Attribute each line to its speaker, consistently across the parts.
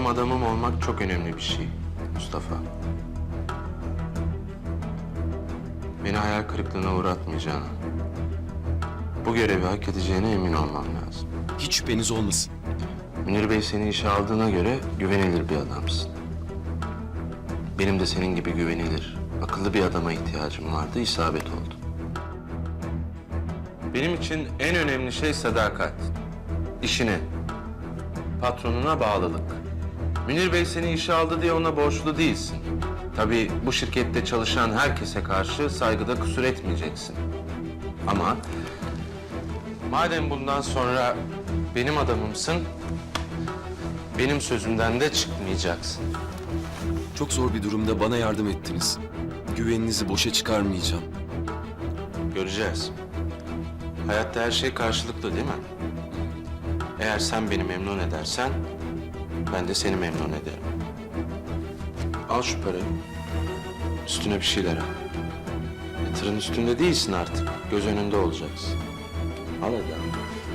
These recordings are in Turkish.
Speaker 1: adamım olmak çok önemli bir şey Mustafa. Beni hayal kırıklığına uğratmayacağına, bu görevi hak edeceğine emin olmam lazım.
Speaker 2: Hiç şüpheniz olmasın.
Speaker 1: Münir Bey seni işe aldığına göre güvenilir bir adamsın. Benim de senin gibi güvenilir, akıllı bir adama ihtiyacım vardı, isabet oldu. Benim için en önemli şey sadakat. İşine, patronuna bağlılık. Münir Bey seni işe aldı diye ona borçlu değilsin. Tabii bu şirkette çalışan herkese karşı saygıda kusur etmeyeceksin. Ama madem bundan sonra benim adamımsın, benim sözümden de çıkmayacaksın.
Speaker 2: Çok zor bir durumda bana yardım ettiniz. Güveninizi boşa çıkarmayacağım.
Speaker 1: Göreceğiz. Hayatta her şey karşılıklı değil mi? Eğer sen beni memnun edersen, ben de seni memnun ederim. Al şu parayı. Üstüne bir şeyler al. Tırın üstünde değilsin artık. Göz önünde olacaksın. Al hadi al.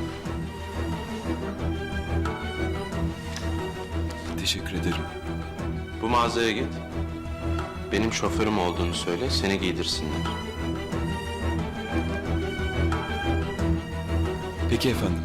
Speaker 2: Teşekkür ederim.
Speaker 1: Bu mağazaya git. Benim şoförüm olduğunu söyle, seni giydirsinler.
Speaker 2: Peki efendim.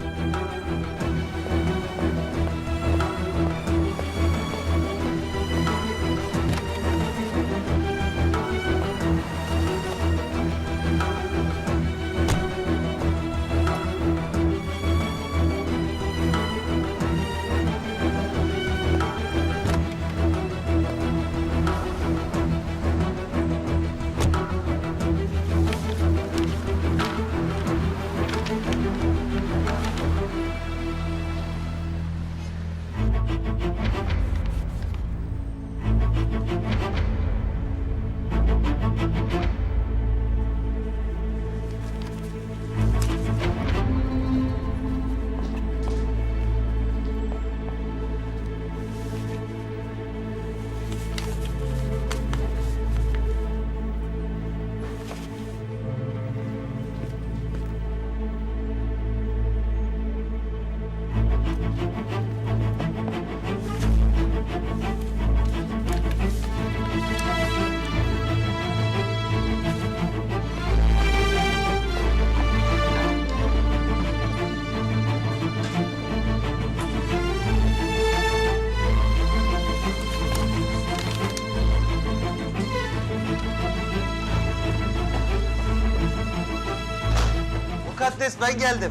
Speaker 3: Mukaddes ben geldim.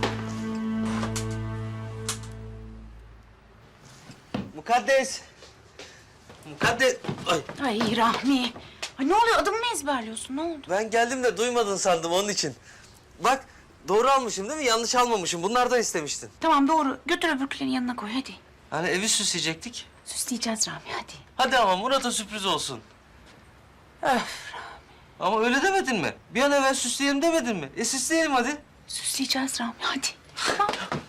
Speaker 3: Mukaddes. Mukaddes. Ay
Speaker 4: Ay Rahmi. Ay ne oluyor? Adımı mı ezberliyorsun? Ne oldu?
Speaker 3: ben geldim de duymadın sandım onun için. Bak doğru almışım değil mi? Yanlış almamışım. Bunlardan istemiştin.
Speaker 4: Tamam doğru. Götür öbürkülerin yanına koy hadi.
Speaker 3: Hani evi süsleyecektik.
Speaker 4: Süsleyeceğiz Rahmi hadi.
Speaker 3: Hadi ama Murat'a sürpriz olsun.
Speaker 4: Öf.
Speaker 3: Ama öyle demedin mi? Bir an evvel süsleyelim demedin mi? Süsleyelim hadi.
Speaker 4: Süsleyeceğiz Rahmi hadi. Tamam.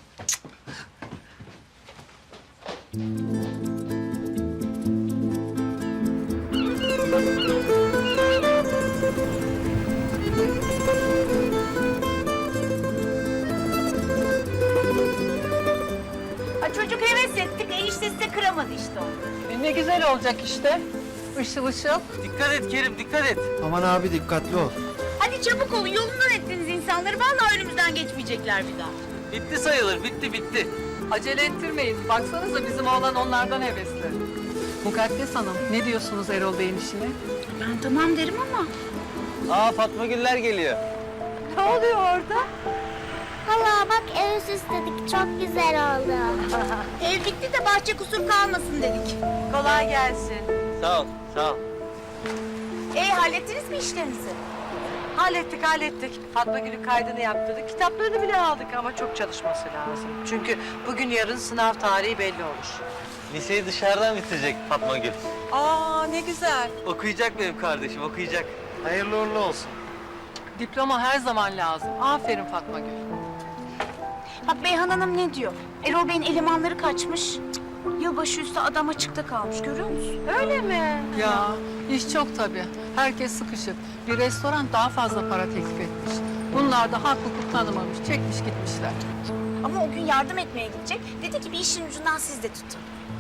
Speaker 4: Ha, çocuk heves ettik. Eniştesi de kıramadı işte onu.
Speaker 5: Ne güzel olacak işte. Işıl ışıl.
Speaker 3: Dikkat et Kerim, dikkat et.
Speaker 6: Aman abi dikkatli ol.
Speaker 4: Hadi çabuk olun. Yolundan ettiniz insanları. Vallahi önümüzden geçmeyecekler bir daha.
Speaker 3: Bitti sayılır, bitti.
Speaker 5: Acele ettirmeyin. Baksanıza bizim oğlan onlardan hevesli. Mukaddes Hanım, ne diyorsunuz Erol Bey'in işine?
Speaker 4: Ben tamam derim ama.
Speaker 3: Aa Fatma Güller geliyor.
Speaker 5: Ne oluyor orada?
Speaker 7: Hala bak ev süsledik çok güzel oldu.
Speaker 4: Ev bitti de bahçe kusur kalmasın dedik.
Speaker 5: Kolay gelsin.
Speaker 3: Sağ ol, sağ ol.
Speaker 4: Hallettiniz mi işlerinizi?
Speaker 5: Hallettik. Fatma Gül'ün kaydını yaptırdık. Kitaplarını bile aldık ama çok çalışması lazım. Çünkü bugün yarın sınav tarihi belli olur.
Speaker 3: Liseyi dışarıdan bitirecek Fatma Gül.
Speaker 5: Aa ne güzel.
Speaker 3: Okuyacak benim kardeşim, okuyacak. Hayırlı uğurlu olsun.
Speaker 5: Diploma her zaman lazım. Aferin Fatma Gül.
Speaker 4: Bak Beyhan Hanım ne diyor? Erol Bey'in elemanları kaçmış. Cık, yılbaşı üstü adam açıkta kalmış görüyor musun?
Speaker 5: Öyle mi? Ya iş çok tabii. Herkes sıkışık. Bir restoran daha fazla para teklif etmiş. Bunlar da hak hukuk tanımamış. Çekmiş gitmişler.
Speaker 4: Ama o gün yardım etmeye gidecek. Dedi ki bir işin ucundan siz de tutun.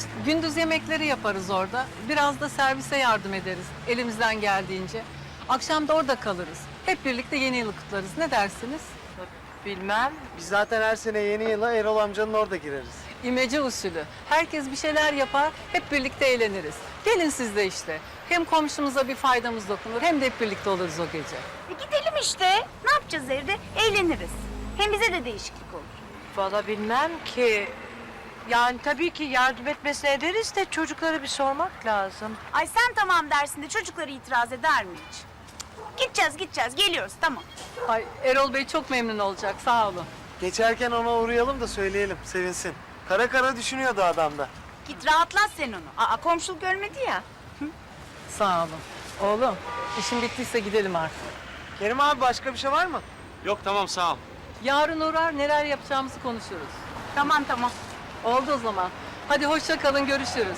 Speaker 5: Gündüz yemekleri yaparız orada. Biraz da servise yardım ederiz elimizden geldiğince. Akşam da orada kalırız. Hep birlikte yeni yılı kutlarız. Ne dersiniz?
Speaker 3: Bilmem.
Speaker 6: Biz zaten her sene yeni yıla Erol amcanın orada gireriz.
Speaker 5: İmece usulü. Herkes bir şeyler yapar, hep birlikte eğleniriz. Gelin siz de işte. Hem komşumuza bir faydamız dokunur, hem de hep birlikte oluruz o gece.
Speaker 4: Gidelim işte. Ne yapacağız evde? Eğleniriz. Hem bize de değişiklik olur.
Speaker 5: Vallahi bilmem ki. Yani tabii ki yardım etmesine ederiz de çocuklara bir sormak lazım.
Speaker 4: Ay sen tamam dersin de çocukları itiraz eder mi hiç? Gideceğiz, geliyoruz tamam.
Speaker 5: Ay Erol Bey çok memnun olacak, sağ olun.
Speaker 6: Geçerken ona uğrayalım da söyleyelim, sevinsin. Kara kara düşünüyordu adam da.
Speaker 4: Git rahatlat sen onu. Aa komşuluk ölmedi ya.
Speaker 5: Sağ olun. Oğlum, işin bittiyse gidelim artık.
Speaker 6: Kerim abi başka bir şey var mı?
Speaker 2: Yok tamam sağ ol.
Speaker 5: Yarın uğrar, neler yapacağımızı konuşuruz.
Speaker 4: Tamam.
Speaker 5: Oldu o zaman. Hadi hoşça kalın, görüşürüz.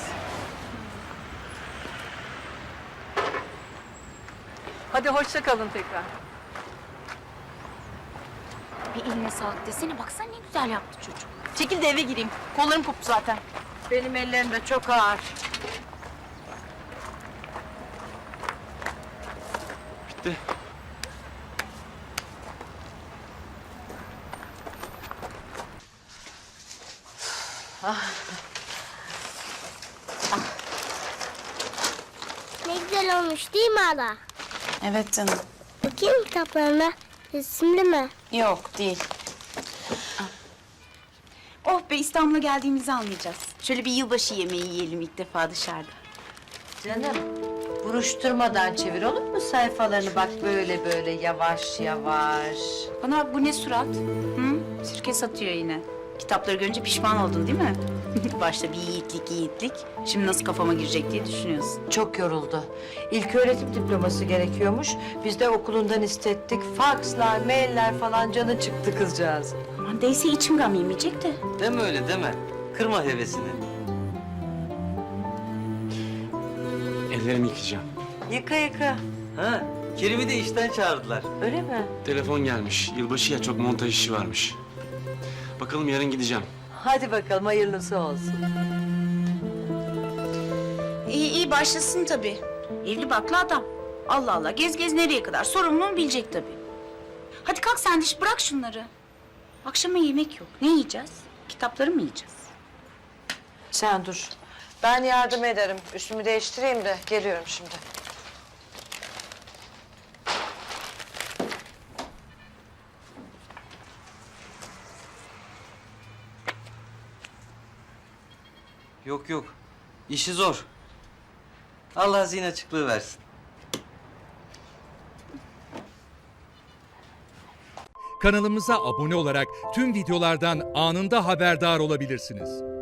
Speaker 5: Hadi hoşça kalın tekrar.
Speaker 4: Bir eline sağlık desene. Baksana ne güzel yaptı çocuk. Çekil de eve gireyim. Kollarım koptu zaten.
Speaker 5: Benim ellerim de çok ağır.
Speaker 2: Bitti.
Speaker 7: Ne güzel olmuş değil mi hala?
Speaker 4: Evet canım.
Speaker 7: Bakayım kitaplarına. Resimli mi?
Speaker 4: Yok değil. Oh be İstanbul'a geldiğimizi anlayacağız. Şöyle bir yılbaşı yemeği yiyelim ilk defa dışarıda.
Speaker 5: Canım, buruşturmadan çevir olur mu sayfalarını? Bak böyle böyle yavaş yavaş.
Speaker 4: Bana bak bu ne surat? Hı? Sirke satıyor yine. Kitapları görünce pişman oldun değil mi? Başta bir yiğitlik. Şimdi nasıl kafama girecek diye düşünüyorsun.
Speaker 5: Çok yoruldu. İlköğretim diploması gerekiyormuş. Biz de okulundan istettik. Fakslar, mailler falan canı çıktı kızcağız.
Speaker 4: Aman değse içim gam yemeyecek de.
Speaker 3: Deme öyle deme. Kırma hevesini.
Speaker 2: Ellerimi yıkayacağım.
Speaker 5: Yıka yıka.
Speaker 3: Ha, Kerim'i de işten çağırdılar.
Speaker 5: Öyle mi?
Speaker 2: Telefon gelmiş. Yılbaşı ya çok montaj işi varmış. Bakalım yarın gideceğim.
Speaker 5: Hadi bakalım hayırlısı olsun.
Speaker 4: İyi başlasın tabii. Evli barklı adam. Allah Allah gez nereye kadar sorumluluğunu bilecek tabii. Hadi kalk sen de bırak şunları. Akşama yemek yok. Ne yiyeceğiz? Kitapları mı yiyeceğiz?
Speaker 5: Sen dur. Ben yardım ederim. Üstümü değiştireyim de geliyorum şimdi.
Speaker 3: Yok. İşi zor. Allah zihin açıklığı versin.
Speaker 8: Kanalımıza abone olarak tüm videolardan anında haberdar olabilirsiniz.